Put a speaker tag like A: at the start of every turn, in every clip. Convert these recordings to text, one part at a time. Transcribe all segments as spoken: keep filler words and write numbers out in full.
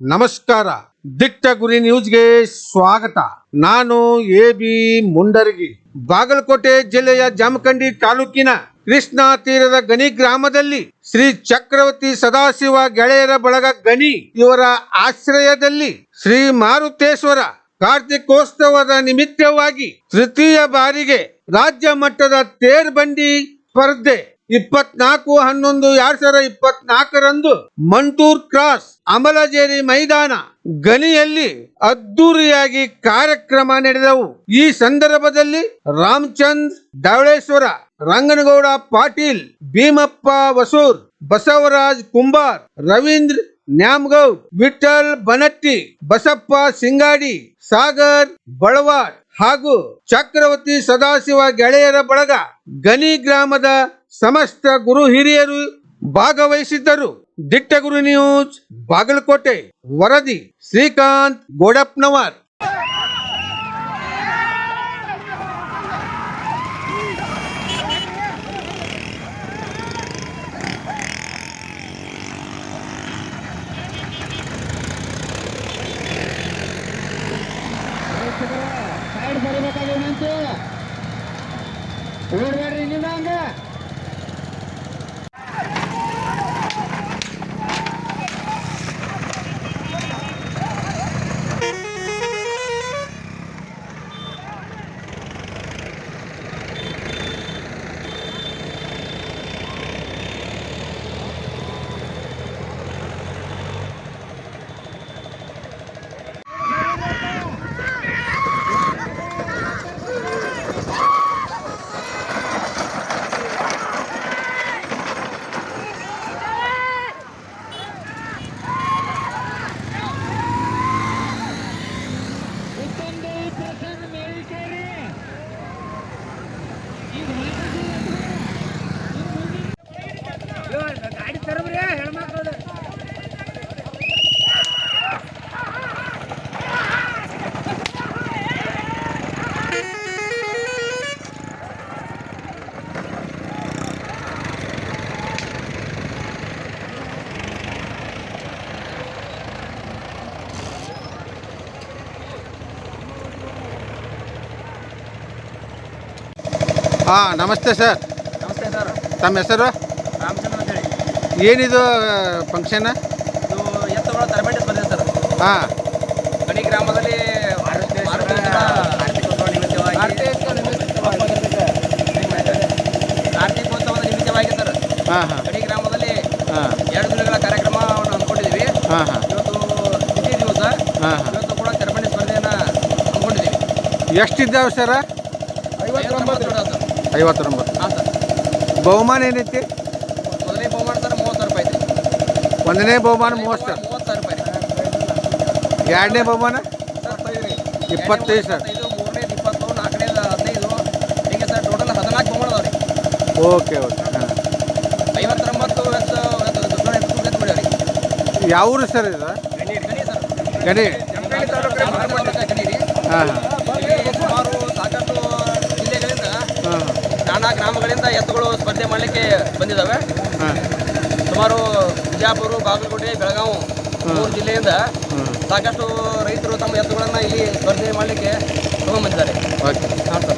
A: ನಮಸ್ಕಾರ. ದಿಟ್ಟ ಗುರಿ ನ್ಯೂಸ್ಗೆ ಸ್ವಾಗತ. ನಾನು ಎ ಬಿ ಮುಂಡರಗಿ. ಬಾಗಲಕೋಟೆ ಜಿಲ್ಲೆಯ ಜಮಖಂಡಿ ತಾಲೂಕಿನ ಕೃಷ್ಣಾ ತೀರದ ಗಣಿ ಗ್ರಾಮದಲ್ಲಿ ಶ್ರೀ ಚಕ್ರವರ್ತಿ ಸದಾಶಿವ ಗೆಳೆಯರ ಬಳಗ ಗಣಿ ಇವರ ಆಶ್ರಯದಲ್ಲಿ ಶ್ರೀ ಮಾರುತೇಶ್ವರ ಕಾರ್ತಿಕೋತ್ಸವದ ನಿಮಿತ್ತವಾಗಿ ತೃತೀಯ ಬಾರಿಗೆ ರಾಜ್ಯ ಮಟ್ಟದ ತೇರ್ ಬಂಡಿ ಸ್ಪರ್ಧೆ ಇಪ್ಪತ್ನಾಲ್ಕು ಹನ್ನೊಂದು ಎರಡ್ ಸಾವಿರದ ಇಪ್ಪತ್ನಾಲ್ಕರಂದು ಮಂಟೂರ್ ಕ್ರಾಸ್ ಅಮಲಜೇರಿ ಮೈದಾನ ಗಣಿಯಲ್ಲಿ ಅದ್ದೂರಿಯಾಗಿ ಕಾರ್ಯಕ್ರಮ ನಡೆದವು. ಈ ಸಂದರ್ಭದಲ್ಲಿ ರಾಮಚಂದ್ರ ಧವಳೇಶ್ವರ, ರಂಗನಗೌಡ ಪಾಟೀಲ್, ಭೀಮಪ್ಪ ವಸೂರ್, ಬಸವರಾಜ್ ಕುಂಬಾರ್, ರವೀಂದ್ರ ನ್ಯಾಮಗೌಡ್, ವಿಠಲ್ ಬನಟ್ಟಿ, ಬಸಪ್ಪ ಸಿಂಗಾಡಿ, ಸಾಗರ್ ಬಳವಾಡ್ ಹಾಗೂ ಚಕ್ರವರ್ತಿ ಸದಾಶಿವ ಗೆಳೆಯರ ಬಳಗ ಗಣಿ ಗ್ರಾಮದ ಸಮಸ್ತ ಗುರು ಹಿರಿಯರು ಭಾಗವಹಿಸಿದ್ದರು. ದಿಟ್ಟ ಗುರು ನ್ಯೂಸ್ ಬಾಗಲಕೋಟೆ. ವರದಿ ಶ್ರೀಕಾಂತ್ ಗೋಡಪ್ಪನವರ್. ಹಾ, ನಮಸ್ತೆ ಸರ್.
B: ನಮಸ್ತೆ ಸರ್.
A: ತಮ್ಮ ಹೆಸರು?
B: ರಾಮಚಂದ್ರ ಅಂತ ಹೇಳಿ.
A: ಏನಿದು ಫಂಕ್ಷನ್?
B: ಇದು ಎತ್ತುಗಳ ತರಬೇತಿ ಸ್ಪರ್ಧೆ ಸರ್.
A: ಹಾಂ,
B: ಗಣಿ ಗ್ರಾಮದಲ್ಲಿ ಕಾರ್ತಿಕೋತ್ಸವದ ನಿಮಿತ್ತವಾಗಿ ಸರ್
A: ಹಾಂ ಹಾಂ
B: ಗಣಿ ಗ್ರಾಮದಲ್ಲಿ
A: ಹಾಂ
B: ಎರಡು ದಿನಗಳ ಕಾರ್ಯಕ್ರಮವನ್ನು ಹಮ್ಮಿಕೊಂಡಿದ್ದೀವಿ.
A: ಹಾಂ ಹಾಂ
B: ಇವತ್ತು ದ್ವಿತೀಯ ದಿವಸ.
A: ಹಾಂ ಹಾಂ
B: ಇವತ್ತು ಕೂಡ ತರಬೇತಿ ಸ್ಪರ್ಧೆಯನ್ನು ಹಮ್ಮಿಕೊಂಡಿದ್ದೀವಿ.
A: ಎಷ್ಟಿದ್ದಾವೆ ಸರ?
B: ಐವತ್ತೊಂಬತ್ತು ಸರ್.
A: ಐವತ್ತೊಂಬತ್ತು.
B: ಹಾಂ ಸರ್.
A: ಬಹುಮಾನ ಏನೈತಿ?
B: ಮೊದಲನೇ ಬಹುಮಾನ ಸರ್ ಮೂವತ್ತು ಸಾವಿರ ರೂಪಾಯಿ ಐತಿ.
A: ಒಂದನೇ ಬಹುಮಾನ ಮೂವತ್ತು ಸರ್.
B: ಮೂವತ್ತು ಸಾವಿರ ರೂಪಾಯಿ.
A: ಎರಡನೇ ಬಹುಮಾನ ಇಪ್ಪತ್ತೈದು ಸರ್.
B: ಇದು ಮೂರನೇದು ಇಪ್ಪತ್ತು, ನಾಲ್ಕನೇದು ಹದಿನೈದು, ಹೀಗೆ ಸರ್ ಟೋಟಲ್ ಹದಿನಾಲ್ಕು ಬಹುಮಾನ ಅದಾವೆ ರೀ.
A: Okay okay. ಹಾಂ,
B: ಐವತ್ತೊಂಬತ್ತು
A: ಯಾವ ಊರು ಸರ್ ಇದು?
B: ಗಣಿ ಸರ್.
A: ಗಣಿ.
B: ಗಣಿ ರೀ.
A: ಹಾಂ ಹಾಂ
B: ಸುಮಾರು ಸಾಕಷ್ಟು ಜಿಲ್ಲೆಗಳಿಂದ,
A: ಹಾಂ
B: ನಾನಾ ಗ್ರಾಮಗಳಿಂದ ಎತ್ತುಗಳು ಸ್ಪರ್ಧೆ ಮಾಡಲಿಕ್ಕೆ ಬಂದಿದ್ದಾವೆ.
A: ಹಾಂ
B: ಸುಮಾರು ಬಿಜಾಪುರ, ಬಾಗಲಕೋಟೆ, ಬೆಳಗಾವಿ ಮೂರು ಜಿಲ್ಲೆಯಿಂದ ಸಾಕಷ್ಟು ರೈತರು ತಮ್ಮ ಎತ್ತುಗಳನ್ನು ಇಲ್ಲಿ ಸ್ಪರ್ಧೆ ಮಾಡಲಿಕ್ಕೆ ತಗೊಂಡ್ಬಂದಿದ್ದಾರೆ.
A: ಓಕೆ.
B: ಹಾಂ ಸರ್.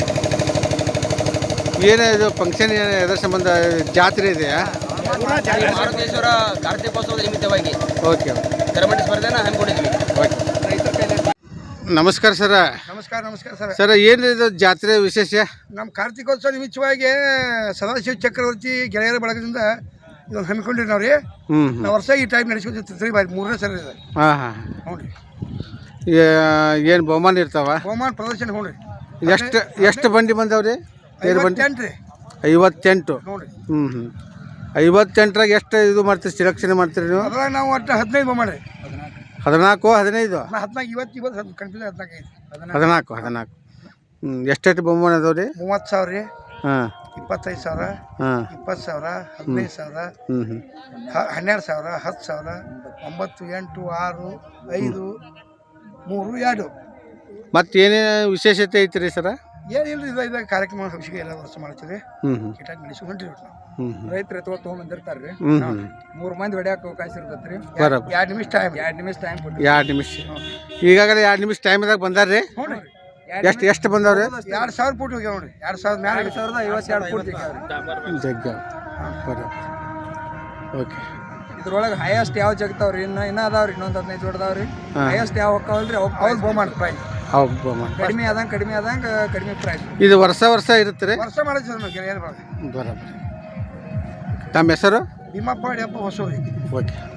A: ಏನು ಇದು ಫಂಕ್ಷನ್? ಏನು ಎದ್ರ ಸಂಬಂಧ? ಜಾತ್ರೆ ಇದೆಯಾ?
B: ಮಾರುತೇಶ್ವರ ಕಾರ್ತಿಕೋತ್ಸವದ ನಿಮಿತ್ತವಾಗಿ
A: ಓಕೆ
B: ತರಬೇತಿ ಸ್ಪರ್ಧೆನ ಹಮ್ಮಿಕೊಂಡಿದ್ವಿ.
A: ಓಕೆ. ನಮಸ್ಕಾರ ಸರ.
C: ನಮಸ್ಕಾರ ನಮಸ್ಕಾರ ಸರ್.
A: ಸರ ಏನು ಇದು ಜಾತ್ರೆ ವಿಶೇಷ?
C: ನಮ್ಮ ಕಾರ್ತಿಕೋತ್ಸವ ನಿಮಿತ್ತವಾಗಿ ಸದಾಶಿವ ಚಕ್ರವರ್ತಿ ಗೆಳೆಯರ ಬಳಗದಿಂದ ಇದೊಂದು ಹಮ್ಮಿಕೊಂಡಿರಿ ನಾವು ರೀ.
A: ಹ್ಞೂ
C: ನಾವು ವರ್ಷ ಈ ಟೈಮ್ ನಡೆಸ್ಕೊತೀವಿ ಬಾರಿ ಮೂರನೇ ಸರಿ ಇದೆ.
A: ಹಾಂ ಹಾಂ
C: ಹ್ಞೂ ರೀ.
A: ಏನು ಬಹುಮಾನ ಇರ್ತಾವ?
C: ಬಹುಮಾನ ಪ್ರದರ್ಶನ ಹ್ಞೂ ರೀ.
A: ಎಷ್ಟು ಎಷ್ಟು ಬಂಡಿ ಬಂದವ್ರಿ? ತೇರು ಬಂಡಿ
C: ಐವತ್ತೆಂಟು ರೀ.
A: ಐವತ್ತೆಂಟು.
C: ಹ್ಞೂ ರೀ.
A: ಹ್ಞೂ ಹ್ಞೂ ಐವತ್ತೆಂಟರಾಗ ಎಷ್ಟು ಇದು ಮಾಡ್ತೀರಿ, ಸೆಲೆಕ್ಷನ್ ಮಾಡ್ತೀರಿ ನೀವು?
C: ಅದ್ರಾಗ ನಾವು ಒಟ್ಟು ಹದಿನೈದು ಬಹುಮಾನ ರೀ.
A: ಹದಿನಾಲ್ಕು ಹದಿನೈದು
C: ನಾ ಹದಿನಾಲ್ಕು ಇವತ್ತು ಇವತ್ತು ಕನ್ಫ್ಯೂಸ್ ಹದಿನಾಲ್ಕು ಐದು
A: ಹದಿನಾಲ್ಕು ಹದಿನಾಲ್ಕು ಹ್ಞೂ ಎಷ್ಟೆಷ್ಟು ಬಹುಮಾನ ಅದಾವೆ ರೀ?
C: ಮೂವತ್ತು ಸಾವಿರ ರೀ.
A: ಹಾಂ,
C: ಇಪ್ಪತ್ತೈದು ಸಾವಿರ,
A: ಹಾಂ,
C: ಇಪ್ಪತ್ತು ಸಾವಿರ, ಹದಿನೈದು ಸಾವಿರ,
A: ಹ್ಞೂ ಹ್ಞೂ
C: ಹನ್ನೆರಡು ಸಾವಿರ, ಹತ್ತು ಸಾವಿರ, ಒಂಬತ್ತು, ಎಂಟು, ಆರು, ಐದು, ಮೂರು, ಎರಡು.
A: ಮತ್ತು ಏನೇನು ವಿಶೇಷತೆ ಐತ್ರಿ ಸರ?
C: ಏನಿಲ್ಲ ಇದು ಇದಾಗ ಕಾರ್ಯಕ್ರಮ ಹಂಚಿಕೆ ಎಲ್ಲ ವರ್ಷ ಮಾಡ್ತೀವಿ
A: ಹ್ಞೂ ಹ್ಞೂ
C: ಕೀಟಾಗಿ ನಡೆಸಿ ಹೊಂಟಿರಿ ನಾವು
A: ಹ್ಞೂ ಹ್ಞೂ
B: ರೈತರು ಎತ್ತುವ ತೊಗೊಂಬಂದಿರ್ತಾರೆ ರೀ
A: ಹ್ಞೂ ಹ್ಞೂ
B: ಮೂರು ಮಂದಿ ಹೊಡ್ಯಾಕ ಅವಕಾಶ ಇರ್ತೈತೆ ರೀ
A: ಬರೋಬ್ಬರ
C: ಎರಡು ನಿಮಿಷ ಟೈಮ್
B: ಎರಡು ನಿಮಿಷ ಟೈಮ್ ಕೊಡ್ತೀವಿ
A: ಎರಡು ನಿಮಿಷ ಈಗಾಗಲೇ ಎರಡು ನಿಮಿಷ ಟೈಮ್ದಾಗ ಬಂದಾರ ರೀ
C: ಹ್ಞೂ ರೀ
A: ಎಷ್ಟು ಎಷ್ಟು ಬಂದವ್ರಿ
C: ಎರಡು ಸಾವಿರ ಫೂಟ್ ಹೋಗ್ಯಾವ ನೋಡ್ರಿ ಎರಡು ಸಾವಿರದ ಮ್ಯಾಲೆ
B: ಎರಡು ಸಾವಿರದ ಐವತ್ತೆರಡು ಫೂಟ್ ಸಿಗ್ತಾವ್ರಿ
A: ಜಗ್ಗ ಬರೋಬ್ಬರ ಓಕೆ
B: ಇದ್ರೊಳಗೆ ಹೈಯೆಸ್ಟ್ ಯಾವ ಜಗ್ತಾವ್ರಿ ಇನ್ನು ಇನ್ನೂ ಅದಾವ್ರಿ ಇನ್ನೊಂದು ಹದಿನೈದು ದೊಡ್ಡದಾವ್ರಿ ಹೈಯೆಸ್ಟ್ ಯಾವ ಹೋಗ್ತಾವಲ್ರಿ ಅವ್
C: ಅವ್ರು ಬಹುಮಾನ ಪ್ರೈಸ್
A: ಹೌದು
B: ಕಡಿಮೆ ಆದಂಗೆ ಕಡಿಮೆ ಆದಂಗೆ ಕಡಿಮೆ ಪ್ರೈಸ್
A: ಇದು ವರ್ಷ ವರ್ಷ ಇರುತ್ತೆ ರೀ
C: ವರ್ಷ ಮಾಡಿದ್ವಿ ನಾವು ಗೆಳೆಯರ ಬಳಗ
A: ಬರೋಬ್ಬರ ತಮ್ಮ ಹೆಸರು
C: ಭೀಮಪ್ಪ ಯಪ್ಪ ಹೊಸೂರಿ
A: ಓಕೆ